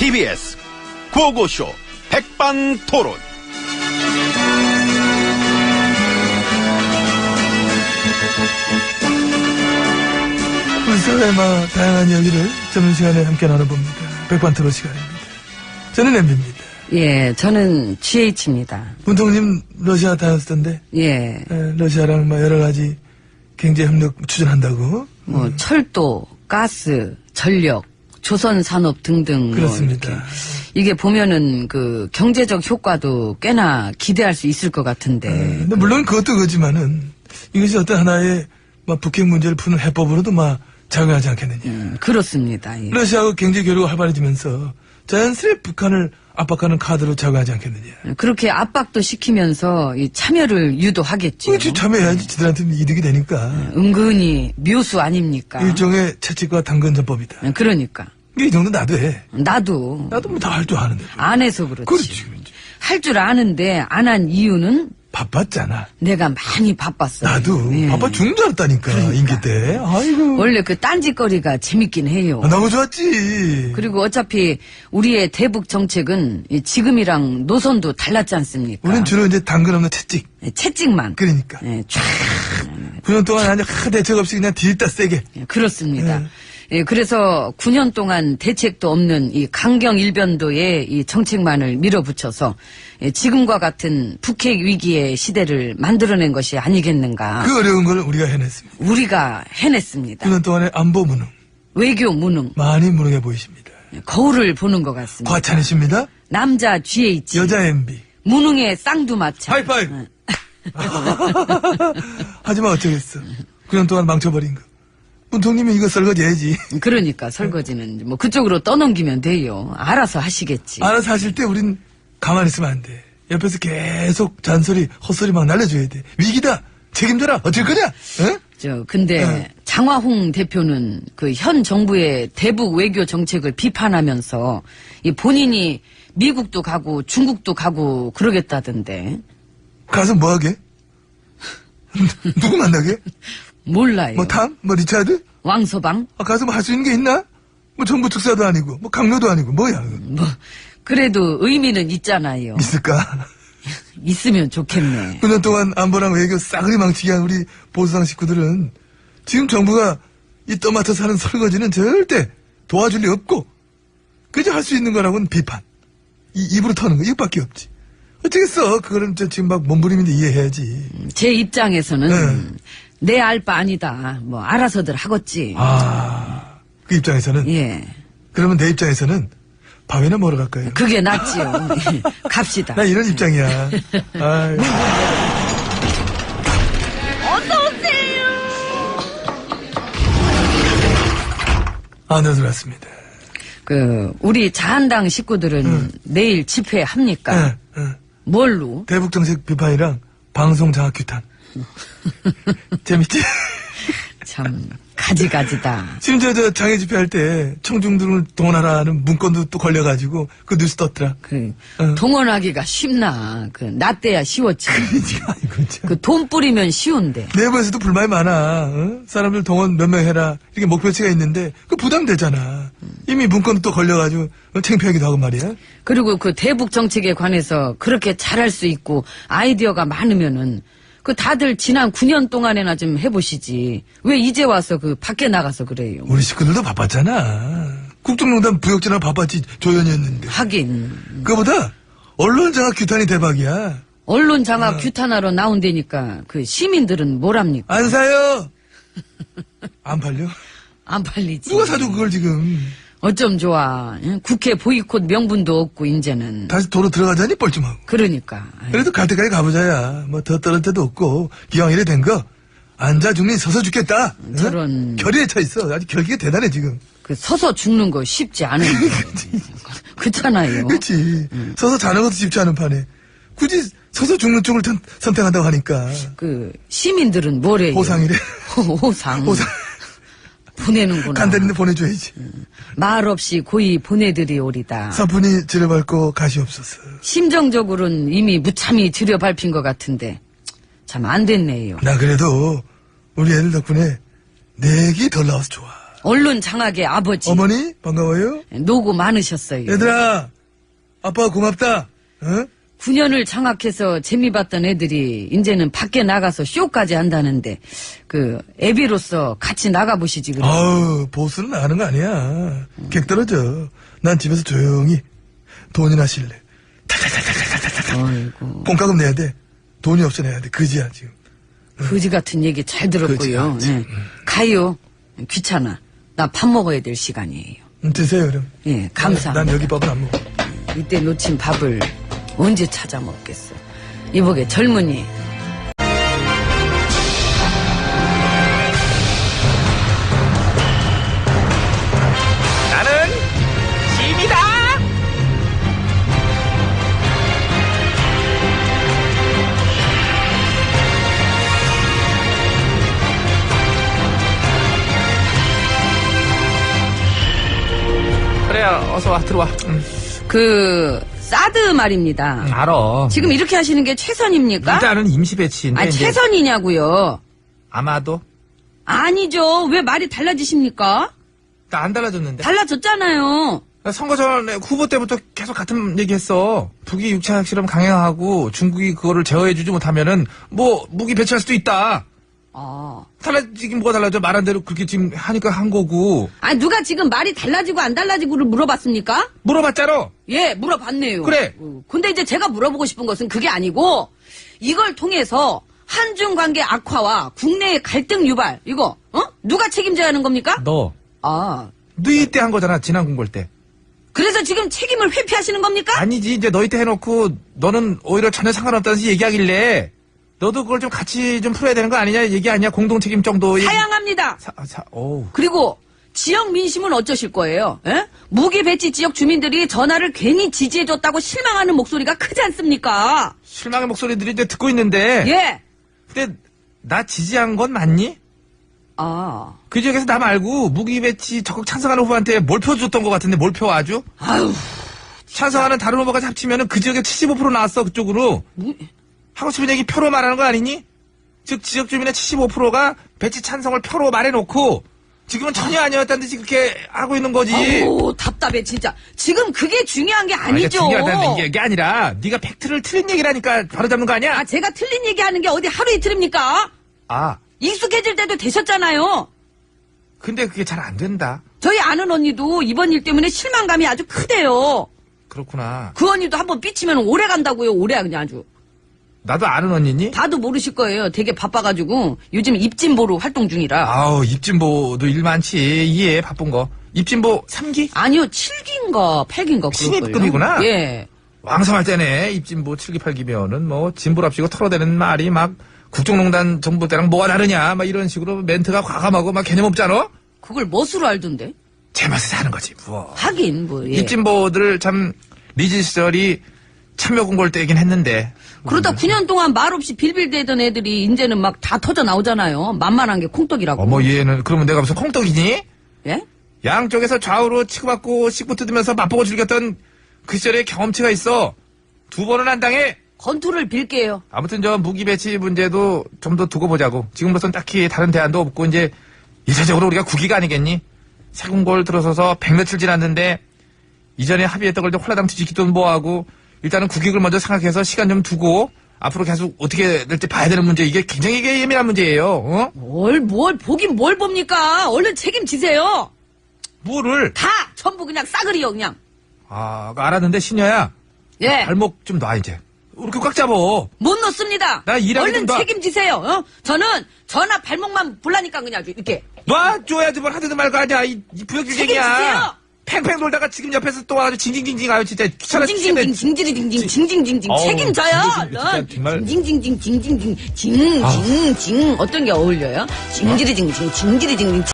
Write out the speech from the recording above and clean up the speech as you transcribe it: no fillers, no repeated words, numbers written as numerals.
TBS 구호고쇼 백반토론. 우리 사회의 다양한 이야기를 점심시간에 함께 나눠봅니다. 백반토론 시간입니다. 저는 MB입니다. 예, 저는 GH입니다. 문통님 러시아 다녔었던데. 예. 러시아랑 여러 가지 경제협력 추진한다고. 철도, 가스, 전력, 조선산업 등등. 그렇습니다. 이게 보면은 그 경제적 효과도 꽤나 기대할 수 있을 것 같은데. 근데 물론 그것도 그렇지만은 이것이 어떤 하나의 북핵 문제를 푸는 해법으로도 작용하지 않겠느냐. 그렇습니다. 예. 러시아와 경제 교류가 활발해지면서 자연스레 북한을 압박하는 카드로 작용하지 않겠느냐. 그렇게 압박도 시키면서 이 참여를 유도하겠죠. 그렇지, 참여해야지 지들한테 이득이 되니까. 은근히 묘수 아닙니까? 일종의 채찍과 당근 전법이다. 그러니까. 이 정도 나도 해. 나도 다 할 줄 아는데. 안 해서 그렇지. 그렇지. 할 줄 아는데 안 한 이유는 바빴잖아. 내가 많이 바빴어. 나도 예. 바빠 죽는 줄 알았다니까. 그러니까. 임기 때. 아이고. 원래 그 딴짓거리가 재밌긴 해요. 너무 좋았지. 그리고 어차피 우리의 대북 정책은 지금이랑 노선도 달랐지 않습니까? 우리는 주로 이제 당근 없는 채찍. 채찍만. 그러니까. 예, 쫙. 9년 동안 아주 대책 없이 그냥 뒤집다 세게. 예, 그렇습니다. 예, 그래서 9년 동안 대책도 없는 이 강경일변도의 이 정책만을 밀어붙여서 지금과 같은 북핵 위기의 시대를 만들어낸 것이 아니겠는가. 그 어려운 걸 우리가 해냈습니다. 우리가 해냈습니다. 9년 동안의 안보 무능. 외교 무능. 많이 무능해 보이십니다. 거울을 보는 것 같습니다. 과찬이십니다. 남자 GH. 여자 MB. 무능의 쌍두마차. 하이파이브. 하지만 어쩌겠어. 9년 동안 망쳐버린 거. 문통님이 이거 설거지해야지. 그러니까 설거지는 그쪽으로 떠넘기면 돼요. 알아서 하시겠지. 알아서 하실 때 우린 가만히 있으면 안 돼. 옆에서 계속 잔소리, 헛소리 날려줘야 돼. 위기다. 책임져라. 어쩔 거냐? 응? 근데 장화홍 대표는 그 현 정부의 대북 외교 정책을 비판하면서 이 본인이 미국도 가고 중국도 가고 그러겠다던데. 가서 뭐 하게? 누구 만나게? 몰라요. 탐? 리차드? 왕서방? 가서 할 수 있는 게 있나? 정부 특사도 아니고, 강요도 아니고, 뭐야? 그래도 의미는 있잖아요. 있을까? 있으면 좋겠네. 9년 동안 안보랑 외교 싸그리 망치게 한 우리 보수당 식구들은 지금 정부가 이 떠맡아서 하는 설거지는 절대 도와줄 리 없고, 그저 할 수 있는 거라고는 비판. 입으로 터는 거, 이것밖에 없지. 어쩌겠어. 그거는 지금 몸부림인데 이해해야지. 제 입장에서는 내 알 바 아니다. 알아서들 하겠지. 그 입장에서는? 예. 그러면 내 입장에서는 밥이나 먹으러 갈까요? 그게 낫지요. 갑시다. 나 이런 입장이야. 아유. 어서오세요. 안녕하세요. 왔습니다. 우리 자한당 식구들은 내일 집회합니까? 뭘로? 대북정책 비판이랑 방송 장악 규탄. 재밌지? 참 가지가지다. 심지어 장애 집회할 때 청중들을 동원하라는 문건도 또 걸려가지고 그 뉴스 떴더라. 동원하기가 쉽나. 나 때야 쉬웠지. 돈 뿌리면 쉬운데. 내부에서도 불만이 많아. 사람들 동원 몇 명 해라. 이렇게 목표치가 있는데 그 부담되잖아. 이미 문건도 또 걸려가지고 창피하기도 하고 말이야. 그리고 대북 정책에 관해서 그렇게 잘할 수 있고 아이디어가 많으면은 다들 지난 9년 동안에나 좀 해보시지. 왜 이제 와서 밖에 나가서 그래요? 우리 식구들도 바빴잖아. 국정농단 부역전화 바빴지 조연이었는데. 하긴. 그거보다 언론 장악 규탄이 대박이야. 언론 장악 규탄하러 나온다니까 시민들은 뭐랍니까? 안 사요. 안 팔려? 안 팔리지. 누가 사줘 그걸 지금. 어쩜 좋아. 국회 보이콧 명분도 없고 이제는. 다시 도로 들어가자니 뻘쭘하고. 그러니까. 그래도 갈 때까지 가보자야. 더 떨어질 때도 없고 기왕 이래 된 거 앉아 죽니 서서 죽겠다. 저런. 결의에 차 있어. 아주 결기가 대단해 지금. 서서 죽는 거 쉽지 않은데. 그렇잖아요. 그렇지. 서서 자는 것도 쉽지 않은 판에 굳이 서서 죽는 쪽을 선택한다고 하니까. 시민들은 뭐래요? 호상이래. 호상. 호상. 보내는구나. 간단히 보내줘야지. 말 없이 고이 보내드리오리다. 사뿐히 지려밟고 가시옵소서. 심정적으로는 이미 무참히 지려밟힌 것 같은데 참 안 됐네요. 나 그래도 우리 애들 덕분에 내기 덜 나와서 좋아. 언론 장악의 아버지. 어머니, 반가워요. 노고 많으셨어요. 얘들아, 아빠가 고맙다. 어? 9년을 장악해서 재미봤던 애들이 이제는 밖에 나가서 쇼까지 한다는데 애비로서 같이 나가보시지 그래. 아우, 보스는 나가는 거 아니야. 객 떨어져. 난 집에서 조용히 돈이나 실래. 탈탈탈탈탈탈탈. 아이고. 공과금 내야 돼. 돈이 없어 내야 돼. 그지야, 지금. 거지 같은 얘기 잘 들었고요. 그지, 예. 가요. 귀찮아. 나 밥 먹어야 될 시간이에요. 드세요, 그럼. 예, 감사합니다. 난 여기 밥은 안 먹어. 이때 놓친 밥을 언제 찾아 먹겠어. 이보게 젊은이. 나는 짐이다. 그래, 어서 와, 들어와. 사드 말입니다. 알아. 지금 이렇게 하시는 게 최선입니까? 일단은 임시 배치인데. 이제 최선이냐고요. 아마도? 아니죠. 왜 말이 달라지십니까? 나 안 달라졌는데. 달라졌잖아요. 나 선거 전에 후보 때부터 계속 같은 얘기 했어. 북이 6차 핵실험 강행하고 중국이 그거를 제어해주지 못하면은 무기 배치할 수도 있다. 아. 달라지긴 뭐가 달라져. 말한 대로 그렇게 지금 하니까 한 거고. 아니, 누가 지금 말이 달라지고 안 달라지고를 물어봤습니까? 물어봤잖아. 예, 물어봤네요. 그래. 근데 이제 제가 물어보고 싶은 것은 그게 아니고, 이걸 통해서 한중 관계 악화와 국내의 갈등 유발, 이거, 누가 책임져야 하는 겁니까? 너. 네 때 한 거잖아. 지난 공볼 때. 그래서 지금 책임을 회피하시는 겁니까? 아니지. 이제 너희 때 해놓고 너는 오히려 전혀 상관없다는 얘기하길래 너도 그걸 좀 같이 좀 풀어야 되는 거 아니냐 얘기 아니야? 공동 책임 정도. 사양합니다. 어우. 그리고 지역 민심은 어쩌실 거예요? 에? 무기 배치 지역 주민들이 전화를 괜히 지지해줬다고 실망하는 목소리가 크지 않습니까? 실망의 목소리들이 이제 듣고 있는데. 예. 근데 나 지지한 건 맞니? 그 지역에서 나 말고 무기 배치 적극 찬성하는 후보한테 몰표 줬던 것 같은데 몰표 아주? 아유. 찬성하는 다른 후보까지 합치면은 그 지역에 75% 나왔어 그쪽으로. 하고 싶은 얘기 표로 말하는 거 아니니? 즉 지역 주민의 75%가 배치 찬성을 표로 말해놓고 지금은 전혀 아니었다는 듯이 그렇게 하고 있는 거지. 아우 답답해 진짜. 지금 그게 중요한 게 아니죠. 중요하다는 게 아니라 네가 팩트를 틀린 얘기라니까 바로 잡는 거 아니야? 제가 틀린 얘기하는 게 어디 하루 이틀입니까? 익숙해질 때도 되셨잖아요. 근데 그게 잘 안 된다. 저희 아는 언니도 이번 일 때문에 실망감이 아주 크대요. 그렇구나. 그 언니도 한번 삐치면 오래 간다고요. 오래 그냥 아주. 나도 아는 언니니? 다도 모르실 거예요. 되게 바빠가지고 요즘 입진보로 활동 중이라. 아우 입진보도 일 많지. 이해 바쁜 거. 입진보 3기? 아니요 7기인가 8기인가 신입급이구나. 예. 왕성할 때네. 입진보 7기 8기면은 진보랍시고 털어대는 말이 막 국정농단 정부 때랑 뭐가 다르냐 막 이런 식으로 멘트가 과감하고 막 개념 없잖아? 그걸 멋으로 알던데? 제맛에 사는 거지 뭐. 하긴 예. 입진보들 참 리즈 시절이 참여 공고를 때긴 했는데. 그러다 9년 동안 말없이 빌빌대던 애들이 이제는 막 다 터져 나오잖아요. 만만한 게 콩떡이라고. 얘는 그러면 내가 무슨 콩떡이니? 예? 양쪽에서 좌우로 치고받고 씩부 뜯으면서 맛보고 즐겼던 그 시절의 경험치가 있어. 2번은 안 당해. 건투를 빌게요. 아무튼 무기 배치 문제도 좀 더 두고 보자고. 지금으로선 딱히 다른 대안도 없고 이제 일차적으로 우리가 국기가 아니겠니? 새 공고를 들어서서 100며칠 지났는데 이전에 합의했던 걸 홀라당 뒤집기도 뭐하고 일단은 국익을 먼저 생각해서 시간 좀 두고 앞으로 계속 어떻게 될지 봐야 되는 문제. 이게 굉장히 예민한 문제예요. 뭘 보긴 뭘 봅니까? 얼른 책임지세요. 뭐를? 다 전부 그냥 싸그리요 그냥. 알았는데 신여야. 예. 발목 좀 놔 이제. 이렇게 꽉 잡어. 못 놓습니다. 나 일하게 얼른 좀 놔. 책임지세요. 저는 전화 발목만 불라니까 그냥 아주 이렇게. 놔줘야지 뭘 하든 말고 하냐. 이 부역주쟁이야. 책임지세요. 팽팽 돌다가 지금 옆에서 또 와가지고 징징징징 아유 진짜 귀찮아 죽겠네. 징징징징 징징징징 책임져요. 얼른. 정말. 징징징징 징징징 징징징 어떤 게 어울려요? 징지리징징 징지리징징